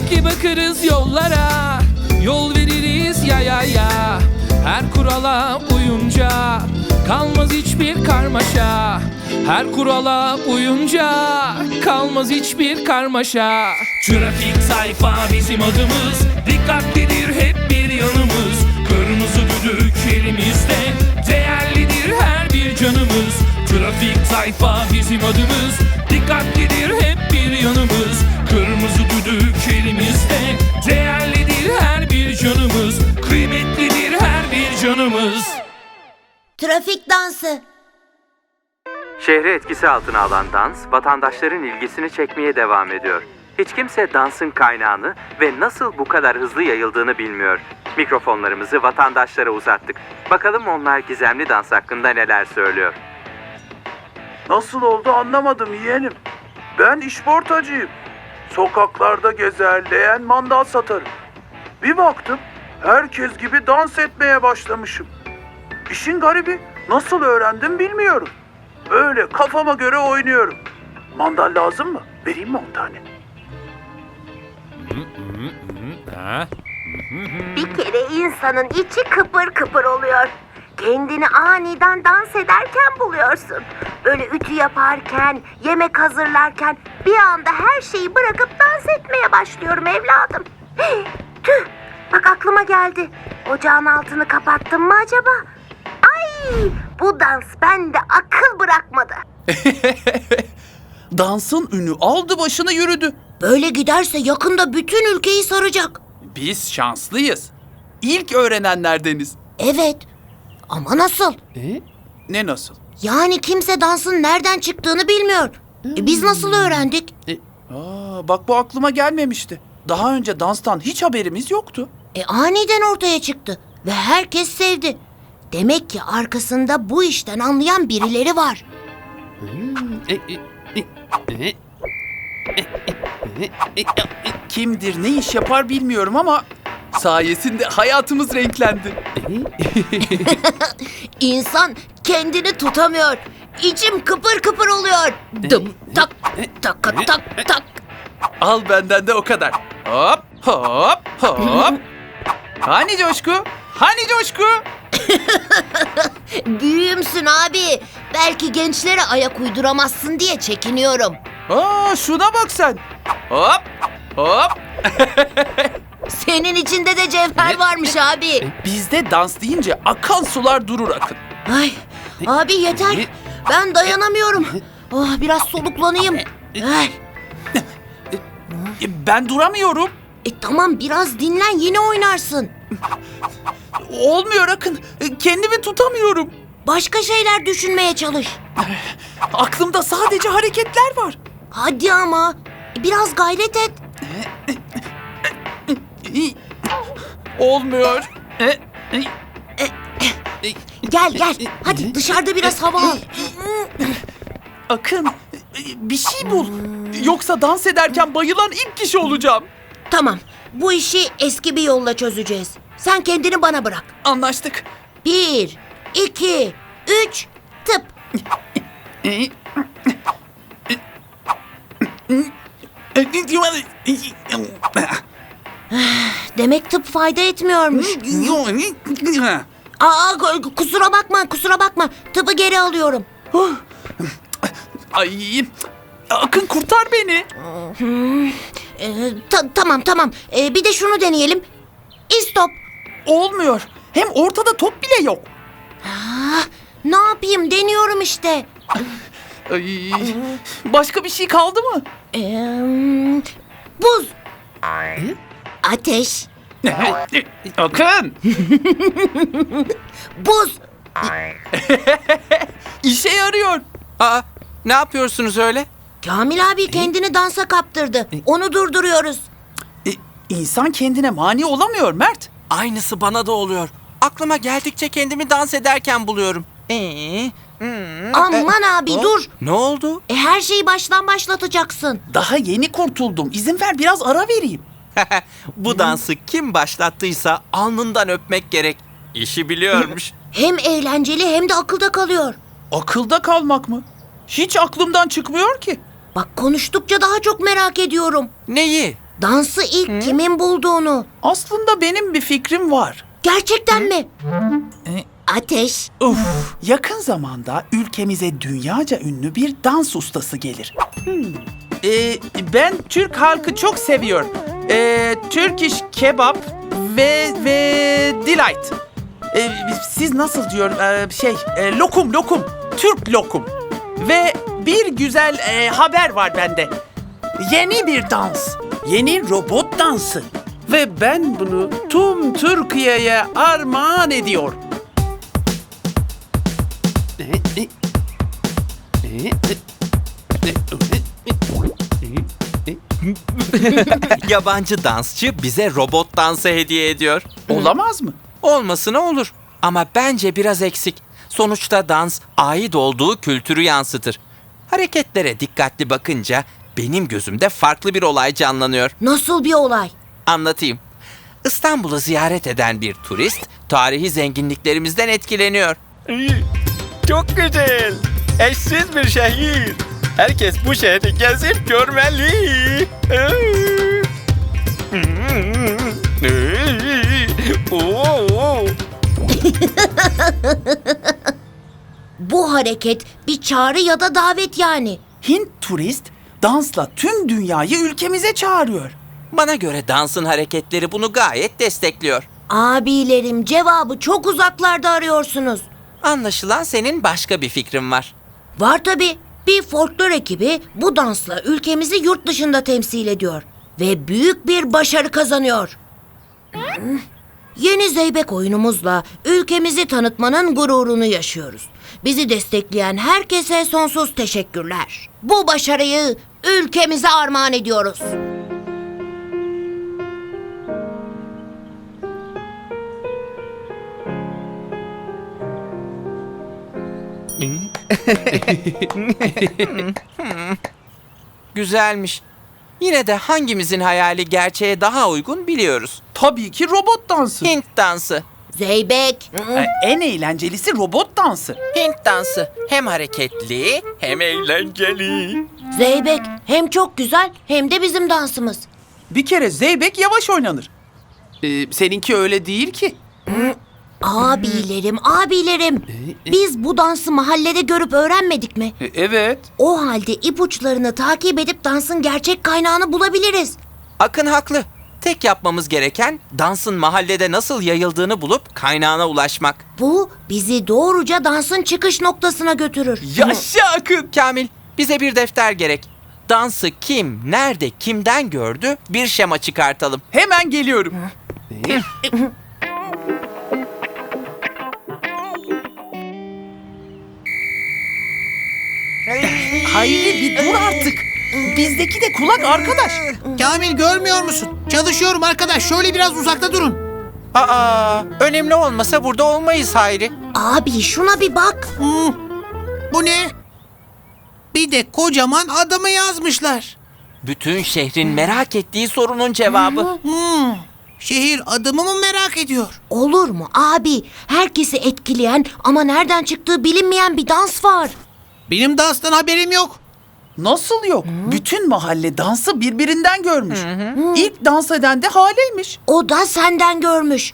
Dikkatli bakarız yollara, yol veririz ya ya ya. Her kurala uyunca kalmaz hiçbir karmaşa. Her kurala uyunca kalmaz hiçbir karmaşa. Trafik sayfa bizim adımız, dikkatlidir hep bir yanımız. Kırmızı düdük elimizde, değerlidir her bir canımız. Trafik sayfa bizim adımız, dikkatlidir hep bir yanımız. Kırmızı düdük elimizde, değerlidir her bir canımız. Kıymetlidir her bir canımız. Trafik dansı. Şehri etkisi altına alan dans, vatandaşların ilgisini çekmeye devam ediyor. Hiç kimse dansın kaynağını ve nasıl bu kadar hızlı yayıldığını bilmiyor. Mikrofonlarımızı vatandaşlara uzattık. Bakalım onlar gizemli dans hakkında neler söylüyor. Nasıl oldu anlamadım yeğenim. Ben işportacıyım. Sokaklarda gezer, leğen mandal satarım. Bir baktım, herkes gibi dans etmeye başlamışım. İşin garibi, nasıl öğrendim bilmiyorum. Öyle kafama göre oynuyorum. Mandal lazım mı? Vereyim mi 10 tane? Bir kere insanın içi kıpır kıpır oluyor. Kendini aniden dans ederken buluyorsun. Böyle ütü yaparken, yemek hazırlarken bir anda her şeyi bırakıp dans etmeye başlıyorum evladım. Tüh, bak aklıma geldi. Ocağın altını kapattım mı acaba? Ay, bu dans bende akıl bırakmadı. Dansın ünü aldı başını yürüdü. Böyle giderse yakında bütün ülkeyi saracak. Biz şanslıyız. İlk öğrenenlerdeniz. Evet, ama nasıl? Ne nasıl? Yani kimse dansın nereden çıktığını bilmiyor. Biz nasıl öğrendik? Bak bu aklıma gelmemişti. Daha önce danstan hiç haberimiz yoktu. Aniden ortaya çıktı ve herkes sevdi. Demek ki arkasında bu işten anlayan birileri var. Kimdir, ne iş yapar bilmiyorum ama sayesinde hayatımız renklendi. İnsan kendini tutamıyor. İçim kıpır kıpır oluyor. Dım tak tak tak tak. Al benden de o kadar. Hop hop hop. Hani coşku? Hani coşku? Büyüğümsün abi. Belki gençlere ayak uyduramazsın diye çekiniyorum. Şuna bak sen. Hop hop. Senin içinde de cevher varmış abi. Bizde dans deyince akan sular durur Akın. Ay, abi yeter. Ben dayanamıyorum. Biraz soluklanayım. Ay. Ben duramıyorum. Tamam biraz dinlen yine oynarsın. Olmuyor Akın. Kendimi tutamıyorum. Başka şeyler düşünmeye çalış. Aklımda sadece hareketler var. Hadi ama biraz gayret et. Olmuyor. Gel gel. Hadi dışarıda biraz hava al. Akın, bir şey bul. Yoksa dans ederken bayılan ilk kişi olacağım. Tamam. Bu işi eski bir yolla çözeceğiz. Sen kendini bana bırak. Anlaştık. 1, 2, 3, tıp. Demek tıp fayda etmiyormuş. Kusura bakma, kusura bakma. Tıpı geri alıyorum. Ay, Akın kurtar beni. Tamam tamam. Bir de şunu deneyelim. İstop. Olmuyor. Hem ortada top bile yok. Ne yapayım? Deniyorum işte. Ay, başka bir şey kaldı mı? Buz. Ateş. Akın. Buz. İşe yarıyor. Ne yapıyorsunuz öyle? Kamil abi kendini dansa kaptırdı. Onu durduruyoruz. İnsan kendine mani olamıyor Mert. Aynısı bana da oluyor. Aklıma geldikçe kendimi dans ederken buluyorum. Aman abi dur. Ne oldu? Her şeyi baştan başlatacaksın. Daha yeni kurtuldum. İzin ver biraz ara vereyim. Bu dansı kim başlattıysa alnından öpmek gerek. İşi biliyormuş. Hem eğlenceli hem de akılda kalıyor. Akılda kalmak mı? Hiç aklımdan çıkmıyor ki. Bak konuştukça daha çok merak ediyorum. Neyi? Dansı ilk kimin bulduğunu. Aslında benim bir fikrim var. Gerçekten mi? Ateş. Uf, yakın zamanda ülkemize dünyaca ünlü bir dans ustası gelir. Ben Türk halkı çok seviyorum. Turkish kebap ve delight. Siz nasıl diyor? Lokum. Türk lokum. Ve bir güzel haber var bende. Yeni bir dans. Yeni robot dansı. Ve ben bunu tüm Türkiye'ye armağan ediyor. Yabancı dansçı bize robot dansı hediye ediyor. Olamaz mı? Olmasına olur. Ama bence biraz eksik. Sonuçta dans ait olduğu kültürü yansıtır. Hareketlere dikkatli bakınca benim gözümde farklı bir olay canlanıyor. Nasıl bir olay? Anlatayım. İstanbul'u ziyaret eden bir turist tarihi zenginliklerimizden etkileniyor. Çok güzel. Eşsiz bir şehir. Herkes bu şehri gezip görmeli. Oo. Bu hareket bir çağrı ya da davet yani. Hint turist dansla tüm dünyayı ülkemize çağırıyor. Bana göre dansın hareketleri bunu gayet destekliyor. Abilerim, cevabı çok uzaklarda arıyorsunuz. Anlaşılan senin başka bir fikrin var. Var tabii. Bir folklor ekibi bu dansla ülkemizi yurt dışında temsil ediyor. Ve büyük bir başarı kazanıyor. Yeni Zeybek oyunumuzla ülkemizi tanıtmanın gururunu yaşıyoruz. Bizi destekleyen herkese sonsuz teşekkürler. Bu başarıyı ülkemize armağan ediyoruz. Güzelmiş. Yine de hangimizin hayali gerçeğe daha uygun biliyoruz. Tabii ki robot dansı. Hint dansı. Zeybek. En eğlencelisi robot dansı. Hint dansı hem hareketli hem Eğlenceli. Zeybek hem çok güzel hem de bizim dansımız. Bir kere zeybek yavaş oynanır. Seninki öyle değil ki. Abilerim. Biz bu dansı mahallede görüp öğrenmedik mi? Evet. O halde ipuçlarını takip edip dansın gerçek kaynağını bulabiliriz. Akın haklı. Tek yapmamız gereken dansın mahallede nasıl yayıldığını bulup kaynağına ulaşmak. Bu bizi doğruca dansın çıkış noktasına götürür. Yaşa Akın. Kamil, bize bir defter gerek. Dansı kim, nerede, kimden gördü bir şema çıkartalım. Hemen geliyorum. Hayri bir dur artık. Bizdeki de kulak arkadaş. Kamil görmüyor musun? Çalışıyorum arkadaş. Şöyle biraz uzakta durun. Aa, önemli olmasa burada olmayız Hayri. Abi şuna bir bak. Bu ne? Bir de kocaman adımı yazmışlar. Bütün şehrin merak ettiği sorunun cevabı. Şehir adımı mı merak ediyor? Olur mu abi? Herkesi etkileyen ama nereden çıktığı bilinmeyen bir dans var. Benim danstan haberim yok. Nasıl yok? Bütün mahalle dansı birbirinden görmüş. İlk dans eden de Hale'ymiş. O da senden görmüş.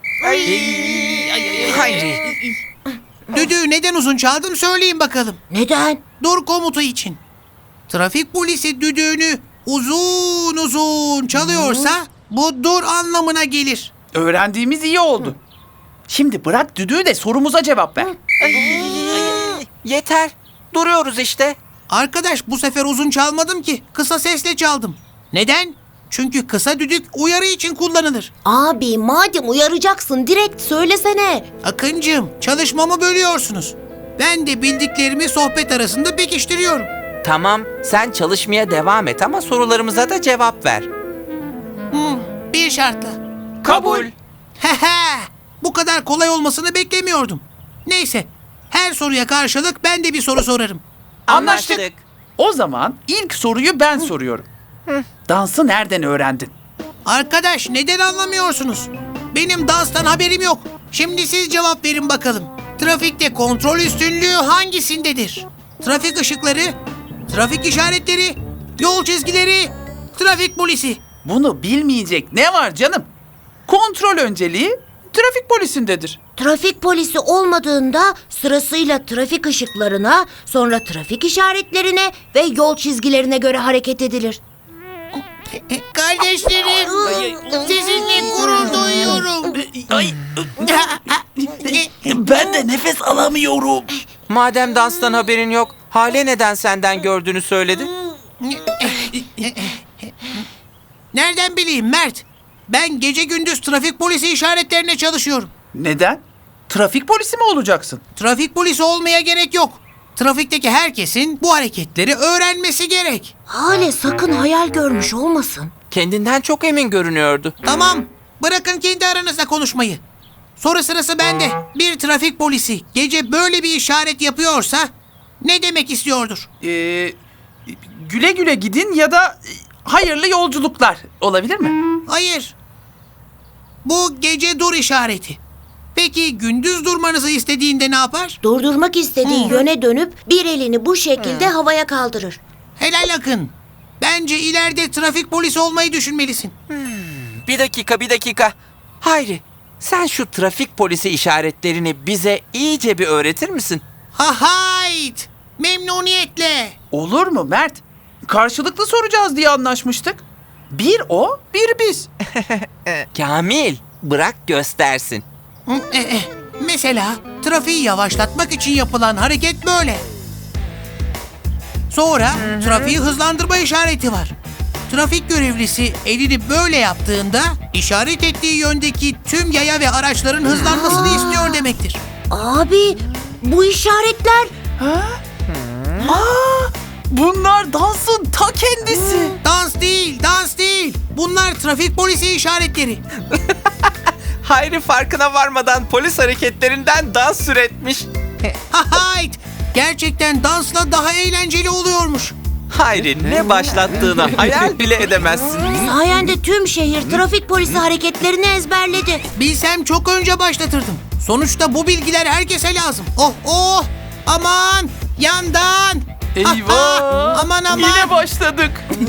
Hayri. Düdüğü neden uzun çaldım söyleyin bakalım. Neden? Dur komutu için. Trafik polisi düdüğünü uzun uzun çalıyorsa bu dur anlamına gelir. Öğrendiğimiz iyi oldu. Şimdi bırak düdüğü de sorumuza cevap ver. Yeter. Duruyoruz işte. Arkadaş bu sefer uzun çalmadım ki. Kısa sesle çaldım. Neden? Çünkü kısa düdük uyarı için kullanılır. Abi madem uyaracaksın direkt söylesene. Akıncığım çalışmamı bölüyorsunuz. Ben de bildiklerimi sohbet arasında pekiştiriyorum. Tamam, sen çalışmaya devam et ama sorularımıza da cevap ver. Bir şartla. Kabul. Hehe, bu kadar kolay olmasını beklemiyordum. Neyse, her soruya karşılık ben de bir soru sorarım. Anlaştık. O zaman ilk soruyu ben soruyorum. Dansı nereden öğrendin? Arkadaş neden anlamıyorsunuz? Benim danstan haberim yok. Şimdi siz cevap verin bakalım. Trafikte kontrol üstünlüğü hangisindedir? Trafik ışıkları, trafik işaretleri, yol çizgileri, trafik polisi. Bunu bilmeyecek ne var canım? Kontrol önceliği trafik polisindedir. Trafik polisi olmadığında sırasıyla trafik ışıklarına, sonra trafik işaretlerine ve yol çizgilerine göre hareket edilir. Kardeşlerim, sizinle gurur duyuyorum. Ben de nefes alamıyorum. Madem danstan haberin yok, Hale neden senden gördüğünü söyledi? Nereden bileyim Mert? Ben gece gündüz trafik polisi işaretlerine çalışıyorum. Neden? Trafik polisi mi olacaksın? Trafik polisi olmaya gerek yok. Trafikteki herkesin bu hareketleri öğrenmesi gerek. Hale sakın hayal görmüş olmasın. Kendinden çok emin görünüyordu. Tamam, bırakın kendi aranızda konuşmayı. Soru sırası bende. Bir trafik polisi gece böyle bir işaret yapıyorsa ne demek istiyordur? Güle güle gidin ya da hayırlı yolculuklar olabilir mi? Hayır. Bu gece dur işareti. Peki gündüz durmanızı istediğinde ne yapar? Durdurmak istediği yöne dönüp bir elini bu şekilde havaya kaldırır. Helal Akın. Bence ileride trafik polisi olmayı düşünmelisin. Bir dakika. Hayri, sen şu trafik polisi işaretlerini bize iyice bir öğretir misin? Ha hayt! Memnuniyetle. Olur mu Mert? Karşılıklı soracağız diye anlaşmıştık. Bir o, bir biz. Kamil, bırak göstersin. Mesela trafiği yavaşlatmak için yapılan hareket böyle. Sonra trafiği hızlandırma işareti var. Trafik görevlisi elini böyle yaptığında işaret ettiği yöndeki tüm yaya ve araçların hızlanmasını istiyor demektir. Abi bu işaretler Bunlar dansın ta kendisi. Dans değil. Bunlar trafik polisi işaretleri. Hayri farkına varmadan polis hareketlerinden dans üretmiş. Ha hayt! Gerçekten dansla daha eğlenceli oluyormuş. Hayri ne başlattığını hayal bile edemezsin. sayende tüm şehir trafik polisi hareketlerini ezberledi. Bilsem çok önce başlatırdım. Sonuçta bu bilgiler herkese lazım. Oh! Aman! Yandan! Eyvah! Aman! Yine başladık.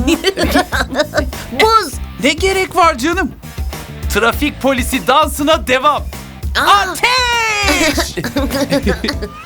Buz. Ne gerek var canım? Trafik polisi dansına devam. Aa, Ateş!